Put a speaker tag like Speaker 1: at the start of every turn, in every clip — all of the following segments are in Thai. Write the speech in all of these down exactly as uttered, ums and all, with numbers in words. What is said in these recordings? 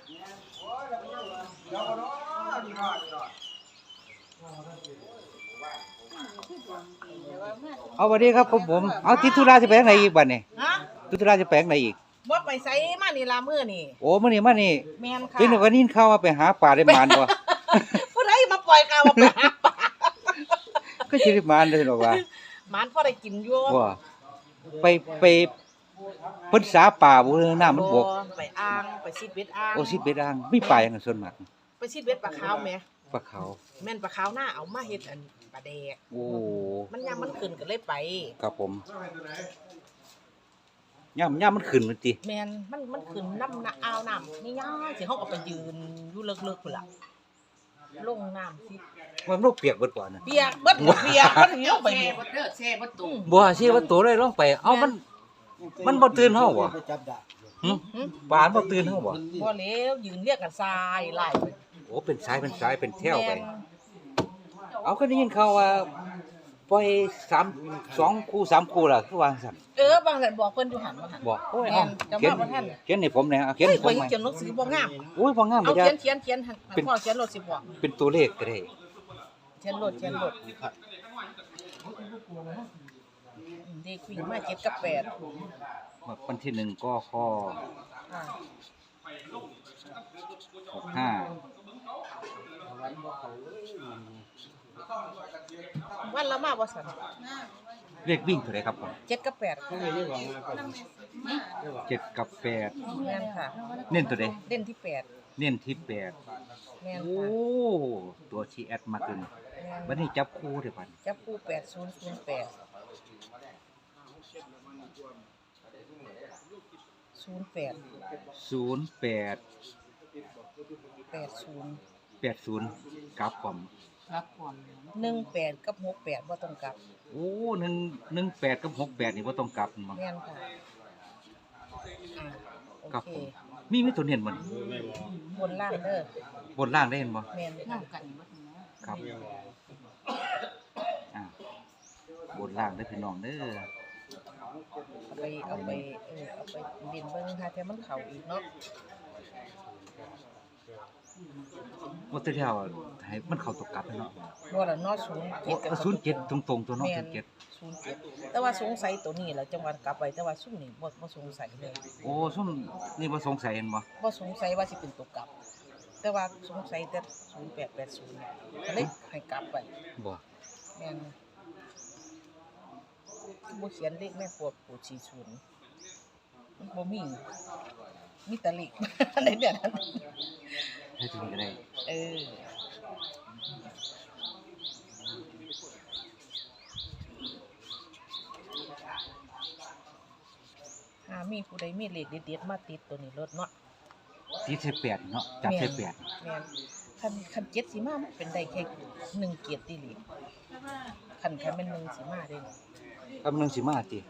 Speaker 1: เอาสวัสดีครับผมผมเอาติดธุระจะไปทางไหนอีกบัดนี่
Speaker 2: ฮะ
Speaker 1: ติดธุระจะไปทางไหนอีก
Speaker 2: บ่ไปไสมานี่ล่ะมื้อนี่
Speaker 1: โอ้มื้อนี้มานี่
Speaker 2: แม่นค่ะ
Speaker 1: เป็นวันนี้ข่าวว่าไปหาปลาได้หมานบ่
Speaker 2: ผู้ใดมาปล่อยข่าวว่าไปหาปลา
Speaker 1: ก็สิได้หมานเด้อดอกว่า
Speaker 2: หมานพอได้กินอยู่
Speaker 1: บ่ไปไปเพิ่นสาป่าบ่เรื่องน้ำมันบก
Speaker 2: ไปอ่างไปซิดเบ็ดอ่าง
Speaker 1: โอ้สิเบ็ดอ่างมีปลาหยังส่วนมาก
Speaker 2: ไปซิดเบ็ดปลาขาวแหม
Speaker 1: ปลาขาว
Speaker 2: แม่นปลาขาวหน้าเอามาเฮ็ดอันปลาแดก
Speaker 1: โอ้
Speaker 2: มันยามมันขึ้นก็เลยไป
Speaker 1: ครับผมย่ำย่ำมันขึ้นมันติ
Speaker 2: แม่นมันมันขึ้นน้ำน่ะอ่าวน้ำนี่ย่าสิเฮาก็ไปยืนอยู่เลิกๆพุ่นล่ะลงน้ำสิ
Speaker 1: มันบ่เปียกเบิดก่อนน่ะ
Speaker 2: เปียกเบิดเปียกมันลงไปนี่
Speaker 3: บ่เด้อแช่บ่ตุ่ม
Speaker 1: บ่สิว่าตัวเลยลงไปเอ้ามันมันบ่ตื่นเฮาบ่หึปลาบ่ตื่นเฮาบ่
Speaker 2: บ่แล้วยืนเรียกกันทรายไล่ไป
Speaker 1: โอ้เป็นสายเป็นสายเป็นแถวไปเอาก็ได้ยินข่าวว่าปล่อยสาม สองคู่สามคู่ล่ะคือว่าซั่น
Speaker 2: เออบางท่านบอกเพิ่นอยู่หั่นว่าหั่น
Speaker 1: บอกโอ้ย
Speaker 2: เอาเขียน
Speaker 1: เขียนให้ผมแหน่เอาเขียนให้ผม
Speaker 2: ใหม่เขียนหนังสือบ่งาม
Speaker 1: โอ้ยบ่งาม
Speaker 2: เอา
Speaker 1: บ่ได้
Speaker 2: เขียนเขียนเขียนหั่นพ่อเขียนรถสิบอก
Speaker 1: เป็นตัวเลขก็ได้
Speaker 2: เขียนรถเขียนรถเด็กวิ่งมาเจ็ดกับแปด
Speaker 1: วันที่หนึ่งกคหกห้า
Speaker 2: วันละมาบ่ซั่น
Speaker 1: เลขวิ่งเท่าไหร่ครับผม
Speaker 2: เจ็ดกับแปด
Speaker 1: เจ็ดกับแปด
Speaker 2: แม่นค่ะ
Speaker 1: เน้นตัวใด
Speaker 2: เล่นที่แปด
Speaker 1: เน้นที่แปด
Speaker 2: แม่น
Speaker 1: โอ้ตัวชีแอดมาตึงวันนี้จับคู่เด้อบัด
Speaker 2: จับคู่แปดศูนย์ศูนย์แปด ศูนย์แปด
Speaker 1: ศูนย์แปด
Speaker 2: แปดศูนย์
Speaker 1: แปดศูนย์กลับพร้อม
Speaker 3: รับก่อน
Speaker 2: หนึ่งแปดกับหกแปดบ่ต้องกลับ
Speaker 1: โอ้หนึ่ง หนึ่งแปดกับหกแปดนี่บ่ต้องกลับมั้ง
Speaker 2: แม่นค่ะอ่าโอเค
Speaker 1: มีมีตัวเน้นบ่
Speaker 2: บนล่างเด้อบ
Speaker 1: นล่างได้เห็นบ่
Speaker 2: แม่น
Speaker 3: นำกันบ่ถึงนะครับ
Speaker 1: อ่าบนล่างเด้อพี่น้องเด้อ
Speaker 2: เอาไปเอาไปเออเอาไปเล่นเบิ่งหาแต่มันเข้าอีกเนาะ
Speaker 1: ว่าตัวเดียวให้มันเข้าตกกลับเนาะ
Speaker 2: บ่ล่ะเนาะศูนย์เจ็ดกับ
Speaker 1: ศูนย์เจ็ดตรงๆตัวเนาะศูนย์เจ็ด
Speaker 2: ศูนย์เจ็ดแต่ว่าสงสัยตัวนี้ล่ะจังหวัดกลับไปแต่ว่าซุ่มนี่บ่บ่สงสัยเลย
Speaker 1: โอ้ซุ่มนี่บ่สงสัยเห็นบ่
Speaker 2: บ่สงสัยว่าสิเป็นตัวกลับแต่ว่าสงสัยแต่ศูนย์แปดแปดศูนย์ก็เลยให้กลับไป
Speaker 1: บ่
Speaker 2: แม่นบ่เขียนเลขแม่ครัวปู่สี่ศูนย์มันบ่มีมีแต่เลขในแบบนั้น
Speaker 1: ให้ถึงก็ได้
Speaker 2: เออหามีผู้ใดมีเลขเด็ดๆมาติดตัวนี้รถเนาะ
Speaker 1: ติดใส่แปดเนาะจับใส่แปด
Speaker 2: แม่นคันคันเจ็ดสิมามันเป็นได้แค่หนึ่งเกียรติลีคันคันเป็นหนึ่งสิมาเด้
Speaker 1: กำลังสิมาติ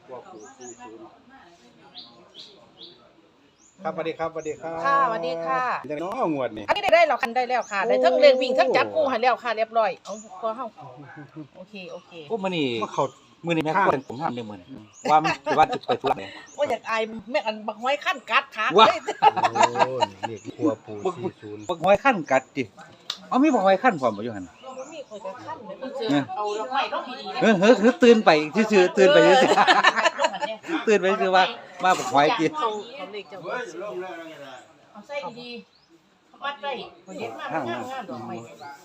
Speaker 4: ครับสวัสดีครับสวัสดีครับ
Speaker 2: ค่ะสวัสดีค่ะ
Speaker 4: จังน้องงวดนี่
Speaker 2: อันนี้ได้ได้แล้วคันได้แล้วค่ะได้ทั้งเลขวิ่งทั้งจับคู่ให้แล้วค่ะเรียบร้อยเอาพอเฮาโอเคโอเค
Speaker 1: โอ้มื้อนี้มาเข้ามื้อนี้แม่ควรผมถามได้มื้อนี้ว่ามันสิว่าสิไปธุระเนี่ย
Speaker 2: ว่าอยากอายแม่อันบักห้อยขั้นกัดขา
Speaker 4: เลยโอ้เลขครัวปู่สี่ศูนย์
Speaker 1: บักห้อยขั้นกัดติเอามีบักห้อยขั้นพร้อมบ่อยู่หั่น
Speaker 2: บ่มีข่อยก็ขั้นเลยเพิ่นซื้อเอาดอกไม้ดอกดีๆ
Speaker 1: เออเฮ้อตื่นไปซื่อๆตื่นไปซื่อๆตื่นไปซื่อว่ามาบักห้อยติ
Speaker 2: เขาเขาเลขเจ้าเอาใส่ดีๆเขาวัดไว้เขาเฮ็ดมางามๆดอกไม้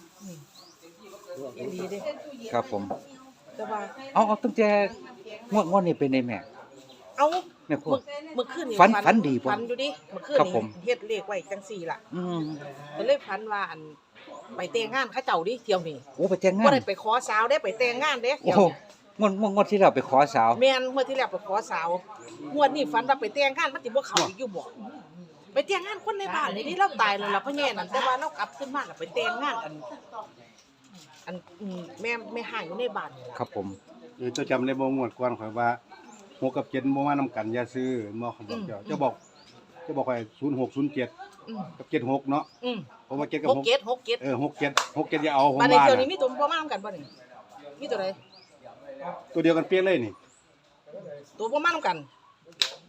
Speaker 2: นี่ดีเด้
Speaker 1: ครับผม
Speaker 2: แต่ว่า
Speaker 1: เอาเอาตั้งแต่งวดงวดนี้เป็นได้แม่
Speaker 2: เอา
Speaker 1: แม่ครู
Speaker 2: เมื่อคืนนี่
Speaker 1: ฝันฝันดีบ่
Speaker 2: ฝันอยู่ดิเมื่อคืนนี่เฮ็ดเลขไว้จังซี่ล่ะ
Speaker 1: อืม
Speaker 2: ก็เลยฝันว่าอันไปแต่งงานเขาเจ้าดิเที่ยวนี่
Speaker 1: โอ้ไปแต่งงาน
Speaker 2: บ่ได้ไปขอสาวเด้ไปแต่งงานเด้
Speaker 1: โอ้งวดงวดที่เราไปขอสาว
Speaker 2: แม่นงวดที่แล้วไปขอสาวงวดนี้ฝันว่าไปแต่งงานมันสิบ่เข้าอีกอยู่บ่ไปแต่งงานคนในบ้านนี่ดิเราตายแล้วล่ะพ่อแย่นั่นแต่ว่าเรากลับขึ้นมาแล้วไปแต่งงานอันอันแม่แม่ห่างอยู่ในบ้าน
Speaker 1: ครับผม
Speaker 4: เออเจ้าจำได้บ่งวดก่อนข่อยว่าหกกับเจ็ดบ่มานำกันอย่าซื้อบ่เขาบอกเจ้าเจ้าบอกเจ้าบอกข่อยศูนย์หก ศูนย์เจ็ดกับเจ็ดหกเนาะ
Speaker 2: อือ
Speaker 4: ผมว่าเจ็ดกับหก
Speaker 2: หกเจ็ด หกเจ็ด
Speaker 4: เออหกเจ็ด หกเจ็ดอย่าเอาผม
Speaker 2: ว่า
Speaker 4: ว่า
Speaker 2: ในเที่ยวนี้มีตัวบ่มานำกันบ่นี่มีตัวใด
Speaker 4: ตัวเดียวกันเปี้ยเลยนี่
Speaker 2: ตัวบ่มานำกัน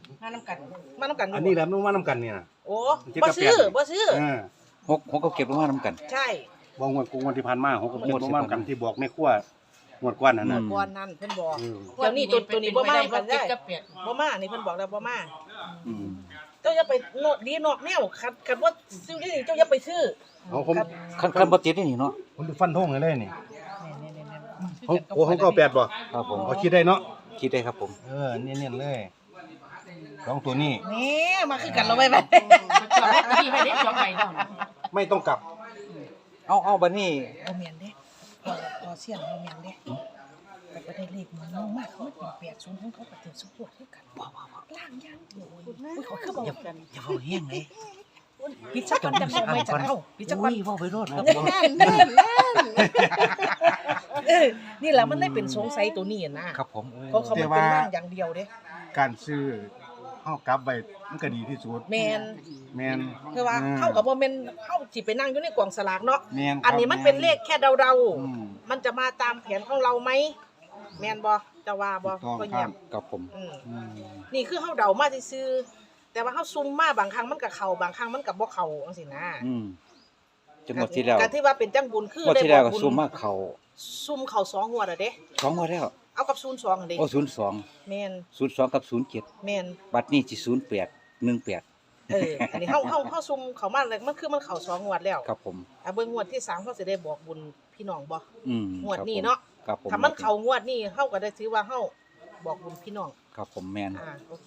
Speaker 3: งานน้ำกัน
Speaker 2: มานํกันยู่
Speaker 4: อันนี้แหละมันมานํกันเนี่ย
Speaker 2: โอ้
Speaker 4: เจ็ด
Speaker 2: บ่
Speaker 4: กับ
Speaker 2: ซื้อ
Speaker 4: แปด
Speaker 2: บ่ซื้อ
Speaker 4: เออ
Speaker 1: หกหกกับเก็บมานํกัน
Speaker 2: ใช่
Speaker 4: บ่งวดกงวดที่ผ่านมาหกกับเจ็ด
Speaker 1: งวดที่
Speaker 4: บ่มา
Speaker 1: ผ่านมา
Speaker 4: กันที่บอกแม่ครัวงวดก่อนนั่นน่ะ
Speaker 1: อืม
Speaker 2: ก่อนนั้นเพิ่นบอก
Speaker 4: เออ
Speaker 2: เดี๋ยวนี้ตัวตัวนี้บ่มากันได้
Speaker 3: เจ็ดกับแปด
Speaker 2: บ่มานี่เพิ่นบอกแล้วบ่มา
Speaker 1: อืม
Speaker 2: เจ้าอย่าไปโนดดีนอกแนวคันคันว่าซื้อได้นี่เจ้าอย่าไปซื้อ
Speaker 4: เอาผม
Speaker 1: คันคันบ่ติดนี่เนาะ
Speaker 4: ผมฟันธงให้เลยนี่
Speaker 2: นี่ๆๆ
Speaker 4: ของโอ้ของเก้าแปดบ่
Speaker 1: ครับผม
Speaker 4: เอาคิดได้เนาะ
Speaker 1: คิดได้ครับผม
Speaker 4: เออเนียนๆเลยสองตัวนี้
Speaker 2: ๆนี่มาคือกันเราไว้ไป
Speaker 3: จอดได้ที่ให้ได้จอดไปแล้วนะ
Speaker 4: ไม่ต้องกลับ
Speaker 1: เอาเอาบัดนี้
Speaker 2: บ่แม่นเด้พอพอเสียงบ่แม่นเด้แต่ก็ได้เลขมันน้องมากเขาเป็นแปดศูนย์ของเขาก็ถึงสุดยอดคือกันว้าวๆล่างยางโอ้ยอุ้ยเขาคือบอกกัน
Speaker 1: อย่าเว้าแห้งเลย
Speaker 2: ปิดซะก่อนจังบ่ไม่จะเอาปิดซะก่อน
Speaker 1: อุ้ยเว้าไปโลดครับผม
Speaker 2: นั่นนั่นนั่นเออนี่แหละมันได้เป็นสงสัยตัวนี้นะครับ
Speaker 1: ผม
Speaker 2: เพราะเขามันเป็นร่างอย่างเดียวเด้
Speaker 4: การซื้อเฮากลับไว้มันก็ดีที่สุด
Speaker 2: แม่น
Speaker 4: แม่น
Speaker 2: คือว่าเฮากับบ่แม่นเฮาสิไปนั่งอยู่ในกล่องสลากเนาะ
Speaker 4: แม่นครับ
Speaker 2: อันนี้มันเป็นเลขแค่เดา
Speaker 4: อืม
Speaker 2: ๆมันจะมาตามแผนของเราไหมแม่นบ่จะว่าบ่
Speaker 4: ถูกต้อง
Speaker 2: ก็เยี่ยม
Speaker 1: ครับผม
Speaker 2: อืม
Speaker 4: อืม
Speaker 2: นี่คือเฮาเดามาซื่อๆแต่ว่าเฮาซุ่มมาบางครั้งมันก็เข้าบางครั้งมันก็บ่เข้าจังซี่นะ
Speaker 1: อืมจังหวัดที่แล้ว
Speaker 2: ก็ที่ว่าเป็นจังบุญคือ
Speaker 1: งวด
Speaker 2: ได้
Speaker 1: ที่
Speaker 2: บ
Speaker 1: แล้ว
Speaker 2: อก
Speaker 1: ก็
Speaker 2: บุญ
Speaker 1: ซุ่มมาเข้า
Speaker 2: ซุ่มเข้าสองงวดอ่ะเด้
Speaker 1: สองงวดแล้ว
Speaker 2: เอากับศูนย์สองอันเด้
Speaker 1: โอ้ศูนย์สอง
Speaker 2: แม่น
Speaker 1: ศูนย์สองกับศูนย์เจ็ด
Speaker 2: แม่น
Speaker 1: บัดนี้สิศูนย์แปดหนึ่งแปด
Speaker 2: เอออันนี้เฮาเฮาเฮาซุ่มเข้ามาแล้วมันคือมันเข้าสองงวดแล้ว
Speaker 1: ครับผม
Speaker 2: อ่ะเบิ่งงวดที่สามเขาสิได้บอกบุญพี่น้องบ่
Speaker 1: อืม
Speaker 2: งวดนี้เนาะ
Speaker 1: ครับผม
Speaker 2: ถ้ามันเข้างวดนี้เฮาก็ได้ถือว่าเฮาบอกบุญพี่น้อง
Speaker 1: ครับผมแมน
Speaker 2: อ่าโอเค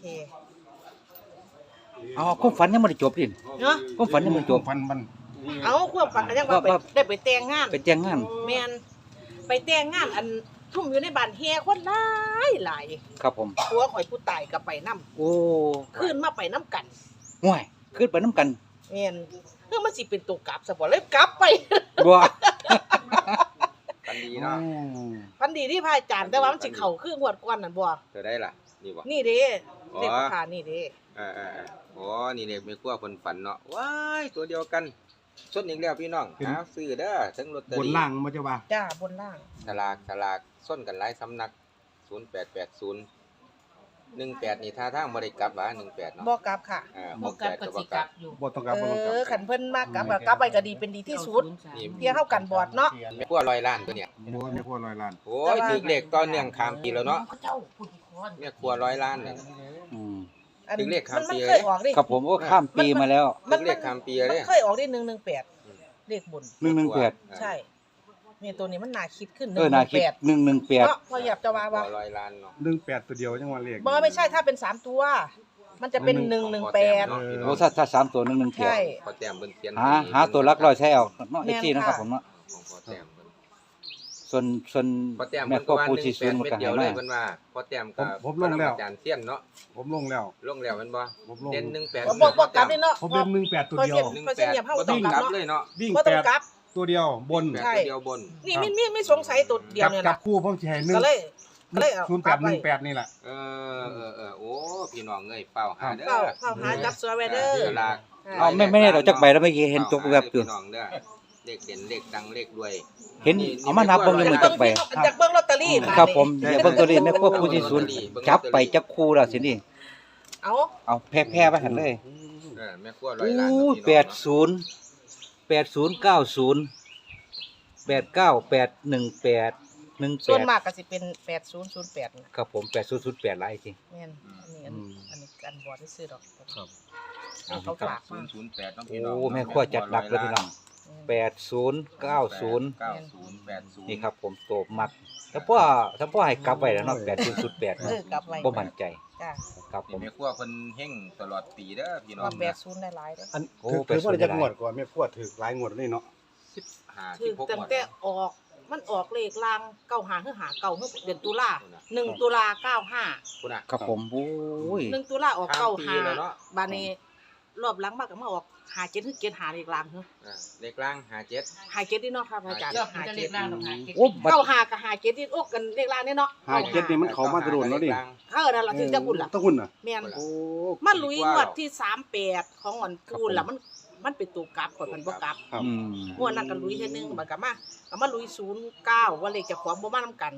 Speaker 1: เอาความฝันยังไม่ได้จบดิ
Speaker 2: เนาะ
Speaker 1: ความฝันยังไม่ได้จบ
Speaker 4: ฟันมัน
Speaker 2: เอาความฝันก็ยังว่าไป
Speaker 1: ว่า
Speaker 2: ได้ไปแต่งงาน
Speaker 1: ไปแจ้งงาน
Speaker 2: แม่นไปแต่งงานอันทุ่มอยู่ในบ้านแฮ่คนหลายหลาย
Speaker 1: ครับผม
Speaker 2: ผัวข่อยผู้ตายก็ไปนํ
Speaker 1: โอ้
Speaker 2: ขึ้นมาไปนํกัน
Speaker 1: ห่วยขึ้นไปน้ำกัน
Speaker 2: แม่นเพื่อมันสิเป็นตัวกลับซะบ่เลยกลับไป
Speaker 1: บ่
Speaker 5: กันดีเนาะ
Speaker 2: พันดีที่พระอาจารย์แต่ว่ามันสิเข้าคืองวดก่อนนั่นบ่
Speaker 5: เธอได้ล่ะ นี่บ่
Speaker 2: นี่เด้
Speaker 5: อ๋อ
Speaker 2: เลขผ่านนี่เด้
Speaker 5: เออเออเอออ๋อนี่เด็กไม่กลัวคนฝันเนาะว้ายตัวเดียวกันสดอีกแล้วพี่น้องหาซื้อเด้อทั้งลอตเตอบ
Speaker 4: น
Speaker 5: รี่
Speaker 4: ล่างมันจะว่า
Speaker 2: จ้าบนล่าง
Speaker 5: สลากสลากส้นกันหลายสำนักศูนย์แปดแปดศูนย์หนึ่งแปดนี่ท่าทางบ่ได้กลับว่าหนึ่งแปดเนาะ
Speaker 2: บ่กลับค่ะ
Speaker 5: อ่าห
Speaker 3: บ่
Speaker 5: ก
Speaker 3: กลั
Speaker 5: แป
Speaker 3: บ
Speaker 5: ด
Speaker 3: ก็
Speaker 5: ก็บ่
Speaker 3: สิ
Speaker 5: ก
Speaker 3: ก
Speaker 5: ลั
Speaker 3: ลั
Speaker 5: บบ
Speaker 3: อยู่
Speaker 4: บ่ต้องกลับบ่ต้องกลั
Speaker 2: เอบ อขันเพิ่นมากกลับก็กลับไปก็ดีเป็นดีที่สุด
Speaker 5: นี่
Speaker 2: เที่ยเข้ากันบอดเนาะ
Speaker 5: ไม่กลัวร้อยล้านตัวเนี่ย
Speaker 4: บ่ไม่ควรร้อยล้าน
Speaker 5: โอ้ยถึกเลขตอนเนื่องข้ามปีแล้วเนาะ
Speaker 3: เจ้าพูดคอน
Speaker 5: แม่กลัวร้อยล้านเนี่ย
Speaker 1: อืม
Speaker 2: อัน
Speaker 5: ถึงเลขข้าม
Speaker 2: มัน
Speaker 5: ปี
Speaker 2: มัน
Speaker 5: เลย
Speaker 2: เคยออกดิ
Speaker 1: ครับผมก็ข้ามปีมาแล้ว
Speaker 5: ถึกเลขข้ามปี
Speaker 2: มั
Speaker 5: เล
Speaker 2: น
Speaker 5: ย
Speaker 2: เคยออกดิหนึ่งหนึ่งแปดเลขบน
Speaker 1: หนึ่งหนึ่งแปด
Speaker 2: ใช่เนี่ยตัวนี้มันน่าคิดขึ้นห
Speaker 1: เอ
Speaker 2: นึ่
Speaker 1: อง
Speaker 2: ห
Speaker 1: นา
Speaker 2: นึ่ง
Speaker 1: คิด
Speaker 2: แปด
Speaker 1: หนึ่งหนึ่งแปด
Speaker 2: เนาะพออยากจะว่า
Speaker 5: กลั
Speaker 2: ว่า
Speaker 5: วร้อยล้านเนาะ
Speaker 4: หนึ่งแปดตัวเดียวจังว่าเลข
Speaker 2: บ่ไม่ใช่ถ้าเป็นสามตัว มันจะเป็นหนึ่งหนึ่งแปด
Speaker 5: เนาะพี่น้
Speaker 1: โอ้
Speaker 5: อง
Speaker 1: ถ้าถ้าสามตัวหนึ่งหนึ่งแปด
Speaker 2: ใช่
Speaker 5: พอแต้มเบิ่นเขียน
Speaker 1: หาหาตัวลักร้อยใช้เอาเนาะ
Speaker 2: แม่
Speaker 1: ไอ้
Speaker 2: น
Speaker 1: ที่นะครับ
Speaker 2: ค่ะ
Speaker 1: ผมเนาะ
Speaker 5: ของพอแต้มเบิ่น
Speaker 1: ส่วนส่วน
Speaker 5: พอแต้ม
Speaker 1: แม่
Speaker 5: เพิ่น
Speaker 1: ก็
Speaker 5: ก็ว่า
Speaker 1: ผู้
Speaker 5: ห
Speaker 1: ที่
Speaker 5: นึ่ง
Speaker 1: ศู
Speaker 5: แป
Speaker 1: น
Speaker 5: ด
Speaker 1: ย์มัน
Speaker 5: เม็ด
Speaker 1: ก็
Speaker 5: เดี
Speaker 1: ให้
Speaker 5: ยวเลย
Speaker 1: มา
Speaker 5: เพิ่นว่าพอแต้ม
Speaker 4: ผม
Speaker 5: กับ
Speaker 4: ผมลงแล้ว
Speaker 5: อาจารย์เซียนเนาะ
Speaker 4: ผมลงแล้ว
Speaker 5: ลงแล้วแม่นบ่
Speaker 4: ผมลง
Speaker 5: เด่นหนึ่งแปด
Speaker 2: บ่บ่บ่กลับนี่เนาะ
Speaker 4: ผมเล่นหนึ่งแปดตัวเดียว
Speaker 5: หนึ่ง
Speaker 2: พอ
Speaker 5: แป
Speaker 2: เสีย
Speaker 5: ด
Speaker 2: เหยียบเฮา
Speaker 5: บ่
Speaker 2: ต้
Speaker 5: ต้
Speaker 2: อ
Speaker 5: อง ง
Speaker 2: ก
Speaker 5: ก
Speaker 2: ลั
Speaker 5: ลั
Speaker 2: บบ เนาะ
Speaker 5: เลยเนาะ
Speaker 4: วิ่ง
Speaker 2: บ่
Speaker 4: แป
Speaker 2: ต้อง
Speaker 4: ด
Speaker 2: กลับ
Speaker 4: ตัวเดียวบน
Speaker 5: แปด
Speaker 2: ใช่
Speaker 5: ตัวเดียวบน
Speaker 2: นี่มีมีมีสงสัยตัวเดียว
Speaker 4: จับ
Speaker 2: เนี่ย
Speaker 4: จับ
Speaker 2: นะ
Speaker 4: คู่ผมสิให้หนึ่ง
Speaker 2: ก็เลยก็เลยเอา
Speaker 4: ศูนย์แปดหนึ่งแปดนี่แหละ
Speaker 5: เออเออเออโอ้พี่น้องเอ้ยเป้าหาเด้อ
Speaker 2: เข้าเข้าหาจับเสือไว้เด้อ
Speaker 5: สลาก
Speaker 1: เอาไม่ไม่ได้เราจักใบแล้วเมื่อกี้เห็นตกแบบอยู่
Speaker 5: พี่น้องเด้อเลขเด่นเลขดังเลขรวย
Speaker 1: เห็นเอามานับเบิ่งเลยมือจักใบ
Speaker 2: จากเบิ่งลอตเตอรี่าด
Speaker 1: ครับผม
Speaker 2: นี่
Speaker 1: เดี๋ยวเบิ่งตัวนี้แม่ครัวผู้ที่ศูนย์จับไปจับคู่แล้วสินี่
Speaker 2: เอา
Speaker 1: เอาแพ้แพ้ไปหันเลย
Speaker 5: เออแม่ครัวร้อยล้าน
Speaker 1: โอ้แปดศูนย์แปดศูนย์เก้าศูนย์แปดเก้าแปดหนึ่งแปดหนึ่งแป
Speaker 2: ส่วน
Speaker 1: ด
Speaker 2: มากก็สิเป็นแปดศูนย์ศูนย์แปดนะครับ
Speaker 1: ผมแปดศูนย์ศูนย์แปดหลายจริง
Speaker 2: แม่นอันนี้อัน
Speaker 1: อืม
Speaker 2: อันนี้อันบอดที่ซื้อดอก
Speaker 4: ครับ
Speaker 2: เอาเขาฝาก
Speaker 5: ศู
Speaker 2: มาน
Speaker 5: ย์ศูนย์แปดน้องพี่น้อง
Speaker 1: โอ้แม่ครัวจัดหนักเลยพี่น้องแปดศูนย์เก้าศูนย์
Speaker 5: เก้าศูนย์แปดศูนย์
Speaker 1: นี่ครับผมโตมักถ้าพ่อถ้าพ่อให้กลับไปแล้วเนาะแปดศูนย์ศูนย์แปด
Speaker 2: เออกลับไว้
Speaker 1: บ่มั่นใจ
Speaker 2: จ้า
Speaker 1: ครับผ
Speaker 5: นี่
Speaker 1: ม
Speaker 5: แม่ครัวเพิ่นเฮงตลอดปีเด้อพี่น้อง
Speaker 2: ว่าแปดศูนย์ได้หลายเด้อ
Speaker 4: อัน
Speaker 1: โอ้
Speaker 4: ถือ
Speaker 1: ไป
Speaker 4: ถือว่า
Speaker 1: ส่วน
Speaker 4: จะ
Speaker 1: ใหญ่
Speaker 4: งวดก่อนแม่พวดถือหลายงวดนี่เนาะ
Speaker 5: สิบห้า
Speaker 2: คื
Speaker 5: สิ
Speaker 2: อบ
Speaker 5: หก
Speaker 2: ตั้ง
Speaker 5: หมด
Speaker 2: แต่ออกมันออกเลขลางเก้าหาคือหาเก้าคือเดือนตุลาหนึ่งตุลาเก้าห้า
Speaker 5: คุณน่ะ
Speaker 1: ครับผมโอ้ย
Speaker 2: หนึ่งตุลาออกเก้า
Speaker 5: ปี
Speaker 2: ห้า
Speaker 5: แล้วเนาะ
Speaker 2: บานี้รอบหลังมากก็มาออกหาเจ็ดคือเจ็ดหาเลขลางเนาะ
Speaker 5: อ่าเลขล่างห้าเจ็ด
Speaker 2: หาเจ็ดนี่เนาะครับอาจารย์
Speaker 3: เลือก
Speaker 2: หา
Speaker 3: จะ
Speaker 2: เจ็
Speaker 3: เรีย
Speaker 2: ด
Speaker 3: กร่างหรอกค่ะ
Speaker 1: โอ้บัด
Speaker 2: เก้าหากับหาเจ็ดที่โอ้กันเลขลางนี่เนาะ
Speaker 4: ห้าเจ็ดนี่มันเขามาตะโดนแล้วดิ
Speaker 2: เออนั่นล่ะถึงจะบุญล่ะ
Speaker 4: ตะหุ่นน่ะ
Speaker 2: แม่น
Speaker 4: โอ้
Speaker 2: มันลุยงวดที่สามแปดของอันปูนล่ะมันมันเป็นตัวกลับก่อนมันบ่กลับ
Speaker 4: ครับ
Speaker 1: อืม
Speaker 2: งวดนั้นก็ลุยเท่อนึงบัดก็มาก็มาลุยศูนย์เก้าว่าเลขเจะของบ่มานํกัน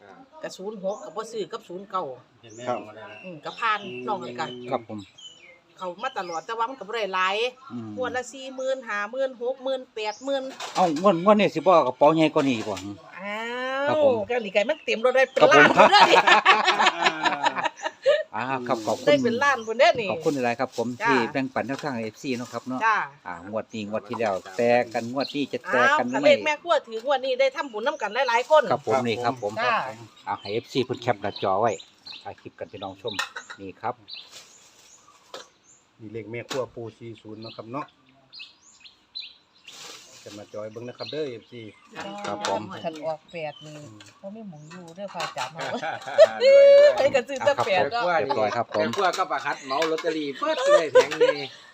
Speaker 5: อ่า
Speaker 2: กับศูนย์หกกับบ่ซื้อกับศูนย์เก้า
Speaker 4: ครับ
Speaker 2: อืมกับผ่านน้องเลยกัน
Speaker 1: ครับผม
Speaker 2: เขามาตลอดแต่ว่ามันก็บ่ได้หลาย
Speaker 1: อืม
Speaker 2: งวดละสี่หมื่นห้าหมื่นหกหมื่นแปดหมื่น
Speaker 1: เอ้างวดงวดนี้สิบ่เอากระเป๋าใหญ่กว่านี้บ่
Speaker 2: อ้า
Speaker 1: ครับ
Speaker 2: ว
Speaker 1: ผม
Speaker 2: ก็นี่ไก่มันเต็มรถได้เป็น
Speaker 1: ครับผม
Speaker 2: ล้านพุ่นเด้อนี่
Speaker 1: อ่าครับขอบคุ
Speaker 2: ได้
Speaker 1: ณ
Speaker 2: เป็นล้านพุ่นเด้อนี่
Speaker 1: ขอบคุณหลายๆครับผม
Speaker 2: จ้า
Speaker 1: ที่แบ่งปันแนวทาง เอฟ ซี เนาะครับเนาะ
Speaker 2: จ้า
Speaker 1: อ่างวดนี้งวดที่แล้วแต่กันงวดนี้จะแต่
Speaker 2: อ้าว
Speaker 1: กัน
Speaker 2: ถ้า
Speaker 1: ไห
Speaker 2: เล
Speaker 1: ม
Speaker 2: ขแม่ครัวถืองวดนี้ได้ทำบุญนํกันหลายๆคน
Speaker 1: ครับผมนี่ครับผม
Speaker 2: จ้า
Speaker 1: เอาให้ เอฟ ซี เพิ่นแคปหน้าจอไว้ถ่ายคลิปกันพี่น้องชมนี่ครับ
Speaker 4: มีเลขแม่ครัวปูสี่ศูนย์เนาะครับเนาะจะมาจอยเบิ่งนะครับเด้อ เอฟ ซี
Speaker 1: ครับผม
Speaker 2: คันออกแปดนี่บ่มีหมองอยู่เด้อพระอาจารย์เนาะ
Speaker 5: ด้วย
Speaker 2: ให้กันซื้อแต่แปด
Speaker 1: เรียบร้อยครับผม
Speaker 5: แม่ครัวก็ประคัดเหมาลอตเตอรี่เปิดเลยแผงนี้